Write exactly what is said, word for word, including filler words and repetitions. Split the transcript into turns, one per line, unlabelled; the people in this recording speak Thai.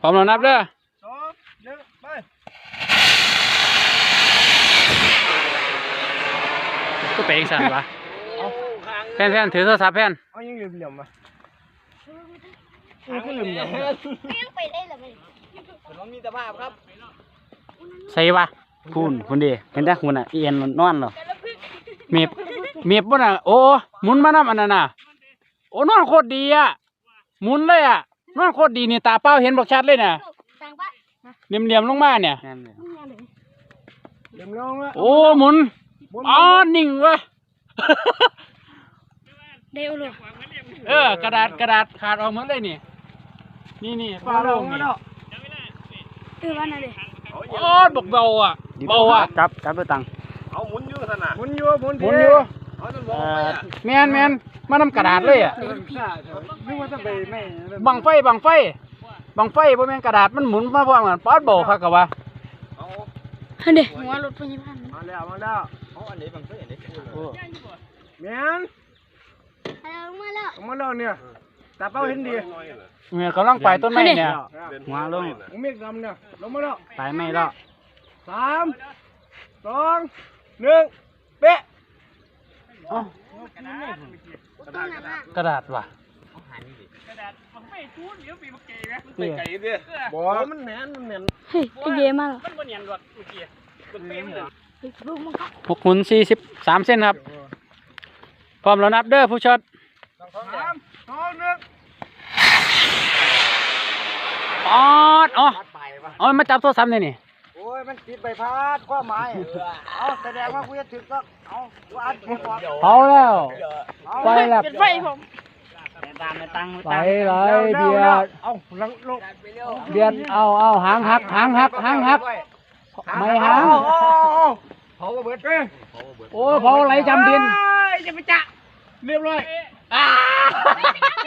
พร้อมแล้วนับเด้อ
สองหนึ่งไป
ก็เป็นสั่นวะแพนแพนถือโทรศัพท์แพน
เอายังเหลี่ยมๆมายังเหลี่ยมๆ
ไม่ต้องไปได้หรอไม่
ผมมีตาภาพครับ
ใส่วะคุณคุณดีเห็นได้คุณอ่ะเอียนนอนเหรอเมียบเมียบบ่น่ะโอ้หมุนมาน้ำอันนั้นน่ะโอ้นอนโคตรดีอ่ะหมุนเลยอ่ะนอนโคตรดีนี่ตาเป้าเห็นบอกชัดเลยน่ะเหลี่ยมเหลี่ยมลงมาเนี่ย
เหลี่ยมลงแล้ว
โอ้หมุนอ๋อนิ่งวะ
เดี๋ยวเลย
เออกระดาษกระดาษขาดออกหมดเลยนี่นี่นี่ป้าลงนี่
เออวันนั้นเลย
โอ้บอกเบาอ่ะเบาอ่ะจับจับไปตัง
เอาหมุนอยู่ขนาดหมุนอยู่หมุน
หมุนอยู่แมนแมนมานำกระดาษเลยอ่ะ
นึกว่าจะไปไม่
บังไฟบังไฟบังไฟบ่แม่นกระดาษมันหมุนมาพร้อมกันป๊อดเบาคักกะวะ
เฮ้ยหัวรถพยาบาล
มาแล้วมาแล้วเอาอันนี้บังไฟอันนี้แมน
มาแล้ว
มาแล้วเนี่ยตาเป้าเห็นดี
เนี่ยกำลังไปต้นไม้เนี่ยหัวลง
เมฆดำเนี่ยลงมาแล้ว
ไปไม่แล้ว
สามสองหนึ่งเป๊ะ
กระดาษว่ะ
กระดาษมันไม่ชูนเดี๋ยวปีมันเก๋ไหมมันไก่ดิบอกมันแหนนมันแหนน
เฮ้ยไอเย่มาแล้ว
มันมันแหนนหรอกเมื่อกี้มันเต็มเลย
หกหุ่นสี่สิบสามเส้นครับพร้อมแล้วนับเด้อผู้ช็อต
สามสองหนึ่ง
อ๋ออ๋ออ๋อมาจับโทรศัพท์เลยนี่
โอ้ยมันติดใบพัดข้อไม้เอาแสดงว่ากูจะถึงก็เอาอัดผมก่อน
เผาแล้วไฟแล้ว
ไฟผม
ตามไปตั้งไปเลยเบียด
เอาลังลง
เบียดเอาเอาหางหักหางหักหางหักไม่หาง
เผากระเบิด
โอ้เผาไหลจำดิน
จะไปจะเรียบร้อย